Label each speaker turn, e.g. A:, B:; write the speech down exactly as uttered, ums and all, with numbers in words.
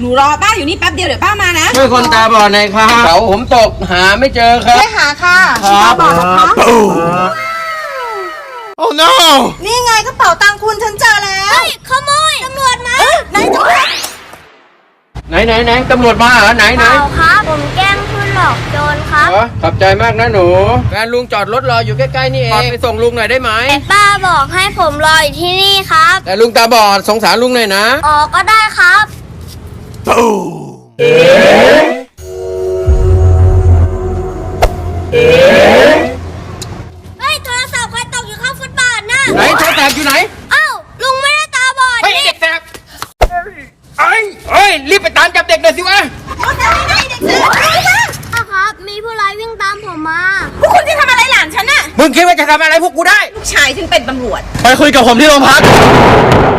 A: หนูรอป้าอยู่นี่แป๊บเดียวเดี๋ยวป้ามานะ
B: ช่วยคนตาบอดหน่อยครับเสาผมตกหาไม่เจอครับ
A: ไปหาค่ะ
B: ครับ
A: ตาบอดนะคะ
B: โอ้ no
A: นี่ไงกระเป๋าตังค์คุณฉันเจอแล้วขโมยตำรวจมาไหนตำรวจ
B: ไหนไหนไหนตำรวจมาเหรอไหนไหน
C: เปล่าครับผมแกล้งคุณหลอกโจรครับ
B: อ๋อขอบใจมากนะหนูแฟนลุงจอดรถรออยู่ใกล้ๆนี่เองไปส่งลุงหน่อยได้ไหม
C: แต่ป้าบอกให้ผมรออยู่ที่นี่ครับ
B: แต่ลุงตาบอดสงสารลุงหน่อยนะ
C: อ๋อก็ได้ครับเฮ้ยโทรศัพท์ใครตกอยู่ข้างฟุตบาทน่ะ
B: ไหนโทรศัพท์อยู่ไหน
C: เอ้าลุงไม่ได้ตาบอด
B: เฮ้ยเด็กแสบเอ้ยเฮ้ยรีบไปตามจับเด็กหน่อยสิวะ
A: รถอะไรเด็กเสือ
C: ป้าครับมีผู้ร้ายวิ่งตามผมมา
A: พวกคุณจะทำอะไรหลานฉันน่ะ
B: มึงคิดว่าจะทำอะไรพวกกูได้
A: ลูกชายฉันเป็นตำรวจ
B: ไปคุยกับผมที่โรงพัก